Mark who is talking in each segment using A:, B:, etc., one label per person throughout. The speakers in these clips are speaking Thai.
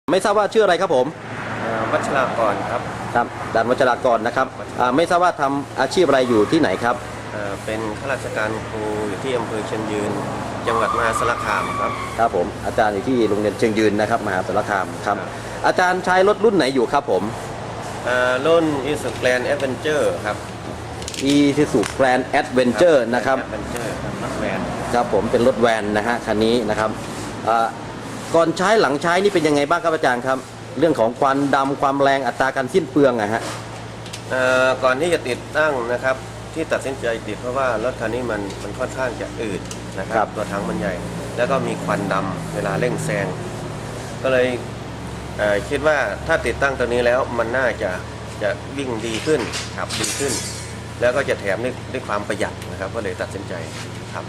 A: ไม่ทราบว่าชื่ออะไรครับผม
B: วัชรากรครับ
A: ครับด่านวัชรากรนะครับไม่ทราบว่าทำอาชีพอะไรอยู่ที่ไหนครับ
B: เป็นข้าราชการครูอยู่ที่อำเภอเชียงยืนจังหวัดมหาสารคามครับ
A: ครับผมอาจารย์อยู่ที่โรงเรียนเชียงยืนนะครับมหาสารคามครับอาจารย์ใช้รถรุ่นไหนอยู่ครับผม
B: รุ่น Isuzu Grand Adventure ครับ
A: Isuzu Grand Adventure นะครับ
B: รถแวน
A: ครับผมเป็นรถแวนนะฮะคันนี้นะครับก่อนใช้หลังใช้นี่เป็นยังไงบ้างครับอาจารย์ครับเรื่องของควันดำความแรงอัตราการสิ้นเปลืองอะฮะ
B: ก่อนที่จะติดตั้งนะครับที่ตัดสินใจติดเพราะว่ารถคันนี้มันค่อนข้างจะอืดนะครับตัวถังมันใหญ่แล้วก็มีควันดำเวลาเร่งแซงก็เลยคิดว่าถ้าติดตั้งตัวนี้แล้วมันน่าจะวิ่งดีขึ้นขับดีขึ้นแล้วก็จะแถมด้วยความประหยัดนะครับก็เลยตัดสินใจครับ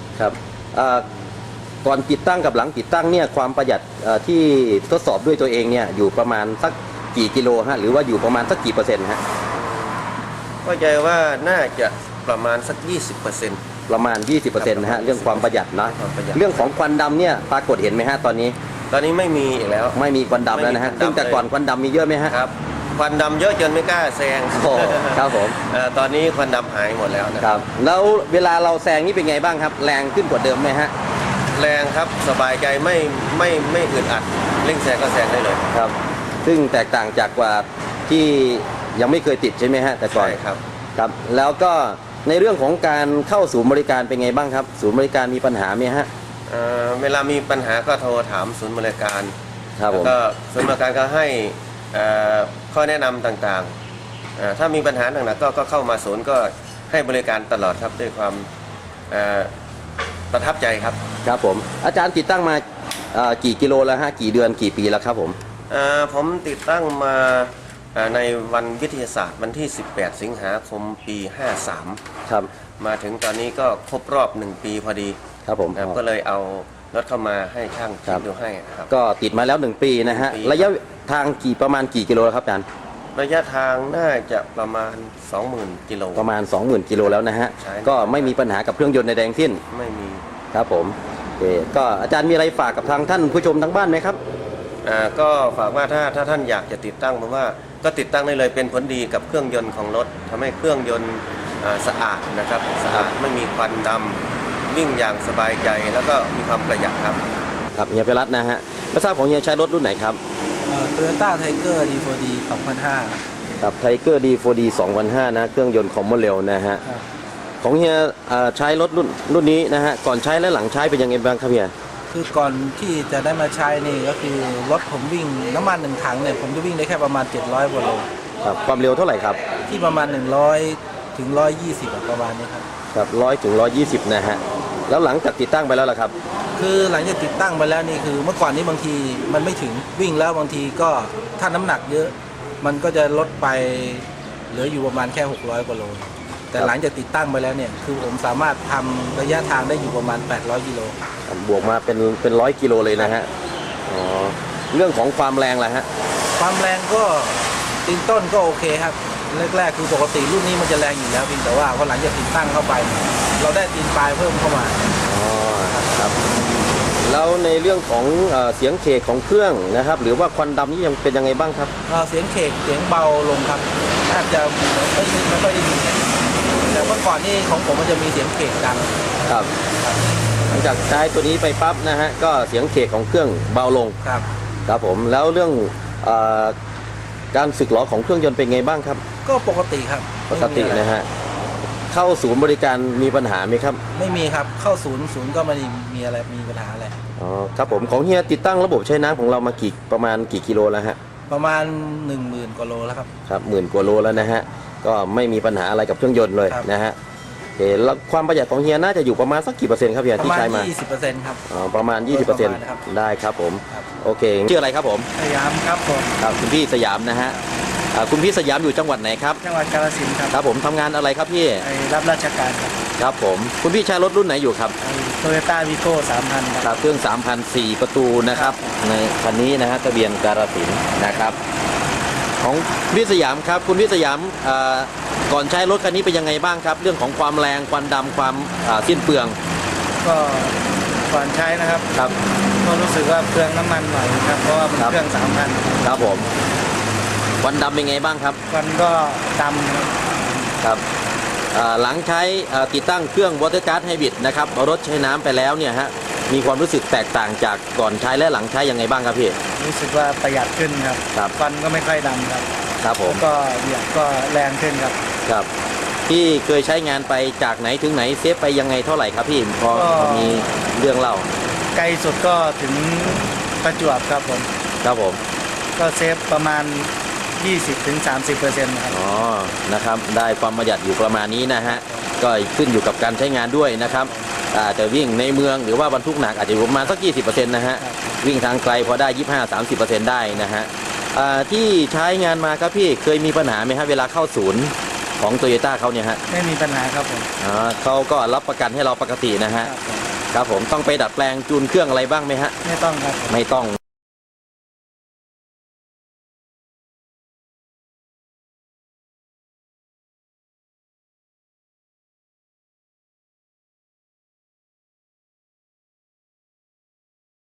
A: ก่อนติดตั้งกับหลังติดตั้งเนี่ยความประหยัดที่ทดสอบด้วยตัวเองเนี่ยอยู่ประมาณสักกี่กิโลฮะหรือว่าอยู่ประมาณสักกี่เปอร์เซ็นต์ฮะ
B: ก็ใจว่าน่าจะประมาณสัก 20%
A: ประมาณ 20%นะฮะเรื่องความประหยัดนะเรื่องของควันดำเนี่ยปรากฏเห็นไหมฮะตอนนี้
B: ไม่มีอีกแล้ว
A: ไม่มีควันดำแล้วนะฮะซึ่งแต่ก่อนควันดำมีเยอะไหมฮะ
B: ครับควันดำเยอะจนไม่กล้าแซง
A: ครับผม
B: ตอนนี้ควันดำหายหมดแล้ว
A: นะครับแล้วเวลาเราแซงนี่เป็นไงบ้างครับแรงขึ้นกว่าเดิมไหมฮะ
B: แรงครับสบายใจไม่อึดอัดเร่งแซงก็แซงได้เลย
A: ครับซึ่งแตกต่างจากกว่าที่ยังไม่เคยติดใช่ไหมฮะแต่ก่อน
B: ครับ
A: ครับแล้วก็ในเรื่องของการเข้าศูนย์บริการเป็นไงบ้างครับศูนย์บริการมีปัญหาไหมฮะ
B: เวลามีปัญหาก็โทรถามศูนย์บริการ
A: ครับผม
B: ก็ศูนย์บริการก็ให้ข้อแนะนำต่างๆถ้ามีปัญหาหนักๆก็เข้ามาศูนย์ก็ให้บริการตลอดครับด้วยความประทับใจครับ
A: ครับผมอาจารย์ติดตั้งมากี่กิโลแล้วฮะกี่เดือนกี่ปีแล้วครับผม
B: ผมติดตั้งมาในวันวิทยาศาสตร์วันที่18สิงหาคมปี53
A: ครับ
B: มาถึงตอนนี้ก็ครบรอบ1ปีพอดี
A: ครับผม
B: ก็เลยเอารถเข้ามาให้ช่างติดดูให้ครับ
A: ก็ติดมาแล้ว1ปีนะฮะระยะทางประมาณกี่กิโลครับอาจารย์
B: ระยะทางน่าจะประมาณ 20,000 กิโล
A: ประมาณ 20,000 กิโลแล้วนะฮะก็ไม่มีปัญหากับเครื่องยนต์ในแดงสิ้น
B: ไม่มี
A: ครับผมก็อาจารย์มีอะไรฝากกับทางท่านผู้ชมทางบ้านไหมครับ
B: ก็ฝากว่าถ้าท่านอยากจะติดตั้งผมว่าก็ติดตั้งได้เลยเป็นผลดีกับเครื่องยนต์ของรถทำให้เครื่องยนต์สะอาดนะครับสะอาดไม่มีควันดำวิ่งอย่างสบายใจแล้วก็มีความประหยัดครับ
A: ครับเฮียไพรัตน์นะฮะไม่ทราบของเฮียใช้รถรุ่นไหนครับ
C: Toyota Tiger D4D 2005
A: ครับ Tiger D4D 2005นะเครื่องยนต์คอมโบเร็วนะฮะของเฮียใช้รถรุ่นนี้นะฮะก่อนใช้และหลังใช้เป็นยังไงบ้างครับเฮีย
C: คือก่อนที่จะได้มาใช้นี่ก็คือรถผมวิ่งน้ำมัน1ถังเนี่ยผมจะวิ่งได้แค่ประมาณ700กว่าโล
A: ครับความเร็วเท่าไหร่ครับ
C: ที่ประมาณ100ถึง120ประมาณนี้ครับ
A: ครับ100ถึง120นะฮะแล้วหลังจากติดตั้งไปแล้วล่ะครับ
C: คือหลังจากติดตั้งไปแล้วนี่คือเมื่อก่อนนี้บางทีมันไม่ถึงวิ่งแล้วบางทีก็ถ้าน้ำหนักเยอะมันก็จะลดไปเหลืออยู่ประมาณแค่600กว่าโลแต่หลังจากติดตั้งไปแล้วเนี่ยคือผมสามารถทำระยะทางได้อยู่ประมาณ800กิโล
A: บวกมาเป็น100กิโลเลยนะฮะอ๋อเรื่องของความแรงล่ะฮะ
C: ความแรงก็ตีนต้นก็โอเคครับแรกๆคือปกติรุ่นนี้มันจะแรงอยู่แล้วเพียงแต่ว่าพอหลังจากติดตั้งเข้าไปเราได้ตีนปลายเพิ่มเข้ามา
A: อ๋อครับแล้วในเรื่องของเสียงเคกของเครื่องนะครับหรือว่าควันดำนี่ยังเป็นยังไงบ้างครับ
C: เสียงเคกเสียงเบาลงครับแทบจะไม่ค่อยได้ยินแต่เมื่อก่อนนี่ของผมมันจะมีเสียงเคกดัง
A: ครับหลังจากใช้ตัวนี้ไปปั๊บนะฮะก็เสียงเคกของเครื่องเบาลง
C: ครับ
A: ครับผมแล้วเรื่องการสึกหรอของเครื่องยนต์เป็นไงบ้างครับ
C: ก็ปกติครับ
A: ปกตินะฮะเข้าศูนย์บริการมีปัญหาไหมครับ
C: ไม่มีครับเข้าศูนย์ก็ไม่มีอะไรมีปัญหาอะไร
A: อ๋อครับผมของเฮียติดตั้งระบบใช้น้ำของเรามาประมาณกี่กิโลแล้วฮะ
C: ประมาณ10,000 กว่าโลแล้วครับ
A: ครับ10,000 กว่าโลแล้วนะฮะก็ไม่มีปัญหาอะไรกับเครื่องยนต์เลยนะฮะแล้วความประหยัดของเฮียน่าจะอยู่ประมาณสักกี่เปอร์เซ็นต์ครับเฮียที่ใช้มา
C: 20%ครับ
A: ประมาณ 20%ได้ครับผมโอเคชื่ออะไรครับผม
C: สยามครับผม
A: ครับคุณพี่สยามนะฮะคุณพี่สยามอยู่จังหวัดไหนครับ
C: จังหวัดกาฬสินธุ์ครับ
A: ครับผมทำงานอะไรครับพี่
C: รับราชการครับ
A: ครับผมคุณพี่ใช้รถรุ่นไหนอยู่ครับ
C: Toyota Vigo 3,000
A: ครับเครื่อง 3,004 ประตูนะครับในคันนี้นะฮะทะเบียนกาฬสินธุ์นะครับของพี่สยามครับคุณพี่สยามก่อนใช้รถคันนี้เป็นยังไงบ้างครับเรื่องของความแรงควันดำความสิ้นเปลือง
C: ก็ก่อนใช้นะครับ
A: ครับ
D: ก็รู้สึกว่าเปลืองน้ำมันหน่อยครับเพราะว่าเป็น
A: ครับ
D: เครื่อง3,000
A: ครับผมควันดำเป็นไงบ้างครับ
D: มันก็ดำครับ
A: ครับหลังใช้ติดตั้งเครื่อง Water Guard Hybrid นะครับรถใช้น้ำไปแล้วเนี่ยฮะมีความรู้สึกแตกต่างจากก่อนใช้และหลังใช้ยังไงบ้างครับพี่
D: รู้สึกว่าประหยัดขึ้นครับ
A: ครับ
D: ฟันก็ไม่ค่อยดำครับ
A: ครับผม
D: แล้วก็เหยียบก็แรงขึ้นครับ
A: ครับที่เคยใช้งานไปจากไหนถึงไหนเซฟไปยังไงเท่าไหร่ครับพี่พอ
D: ก็
A: พอมีเรื่องเล่า
D: ไกลสุดก็ถึงประจวบครับผม
A: ครับผม
D: ก็เซฟประมาณ 20-30% ครับ
A: อ๋อนะครับได้ความประหยัดอยู่ประมาณนี้นะฮะก็ขึ้นอยู่กับการใช้งานด้วยนะครับแต่วิ่งในเมืองหรือว่าบรรทุกหนักอาจจะอยู่ประมาณสัก 20% นะฮะ
D: ครับ
A: วิ่งทางไกลพอได้ 25-30% ได้นะฮะที่ใช้งานมาครับพี่เคยมีปัญหาไหมฮะเวลาเข้าศูนย์ของโตโยต้าเขาเนี่ยฮะ
D: ไม่มีปัญหาครับผม
A: เขาก็รับประกันให้เราปกตินะ
D: ค
A: ฮะ
D: รับผม
A: ครับผมต้องไปดัดแปลงจูนเครื่องอะไรบ้างไหมฮะ
D: ไม่ต้องครับผม
A: ไม่ต้อง